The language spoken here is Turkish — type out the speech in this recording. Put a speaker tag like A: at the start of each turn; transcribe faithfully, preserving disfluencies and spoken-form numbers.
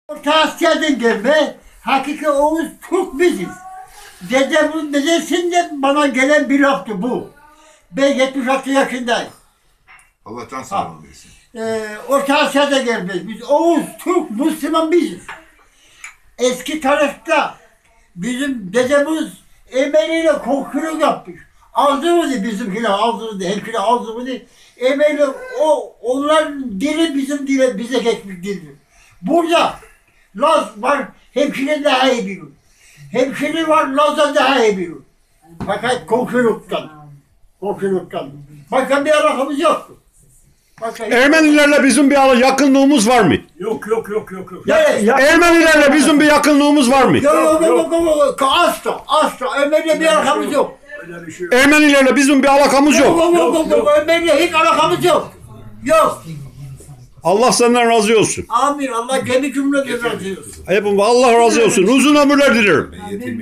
A: Orta Asya'dan gelme, hakiki Oğuz Türk biziz. Dedemin dedesinden bana gelen bir laftı bu. Ben yetmiş altı yaşındayım.
B: Allah can sağlığı versin.
A: Ee, Orta Asya'da gelmeyiz. Biz Oğuz, Türk, Müslüman biziz. Eski tarihte bizim dedemiz emeğiyle komşuluk yapmış. Ağzımızı bizimkiler ağzımızı, hemşire ağzımızı emeğiyle o, onların dili bizim dile, bize geçmiş dildir. Burada Laz var, hemşire daha iyi bilir. Hemşire var, Laz'a daha iyi bilir. Fakat komşuluktan, komşuluktan. Başka bir alakamız yoktu. Başka
C: Ermenilerle bizim bir ara yakınlığımız var mı?
D: Yok yok yok yok yok.
A: Evet.
D: Ya,
C: Ermenilerle bizim bir yakınlığımız var mı?
A: Yok yok yok yok yok, asla, asla. Ömer'le bir alakamız yok.
D: öyle bir şey yok.
C: Ermenilerle bizim bir alakamız
A: Yok
C: yok.
A: yok yok yok, yok. Ömer'le hiç alakamız yok. Yok.
C: Allah senden razı olsun.
A: Amin. Allah gemi cümle razı olsun.
C: Hepimiz Allah razı olsun. Uzun ömürler dilerim.
B: Yetim